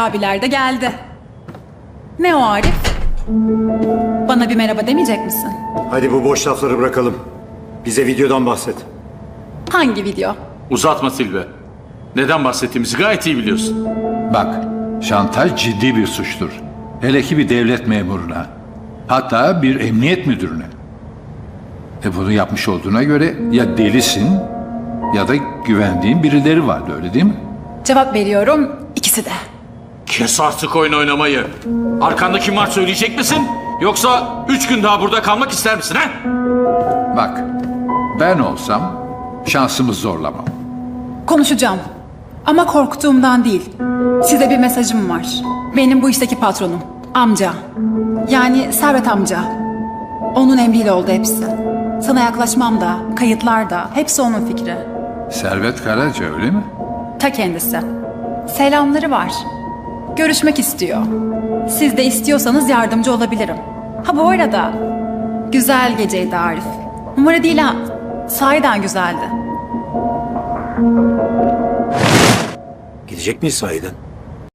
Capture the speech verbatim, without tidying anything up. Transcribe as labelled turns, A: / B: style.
A: abiler de geldi. Ne o Arif? Bana bir merhaba demeyecek misin?
B: Hadi bu boş lafları bırakalım. Bize videodan bahset.
A: Hangi video?
C: Uzatma Silve. Neden bahsettiğimizi gayet iyi biliyorsun.
D: Bak, şantaj ciddi bir suçtur. Hele ki bir devlet memuruna. Hatta bir emniyet müdürüne. E bunu yapmış olduğuna göre ya delisin ya da güvendiğin birileri vardı, öyle değil mi?
A: Cevap veriyorum, ikisi de.
C: Kes artık oyun oynamayı. Arkanda kim var söyleyecek misin? Yoksa üç gün daha burada kalmak ister misin ha?
D: Bak, ben olsam şansımı zorlamam.
A: Konuşacağım. Ama korktuğumdan değil. Size bir mesajım var. Benim bu işteki patronum. Amca. Yani Servet amca. Onun emriyle oldu hepsi. Sana yaklaşmam da, kayıtlar da hepsi onun fikri.
D: Servet Karaca, öyle mi?
A: Ta kendisi. Selamları var. Görüşmek istiyor. Siz de istiyorsanız yardımcı olabilirim. Ha bu arada güzel geceydi Arif. Numara değil ha. Sahiden güzeldi.
B: Gidecek miyiz sahiden?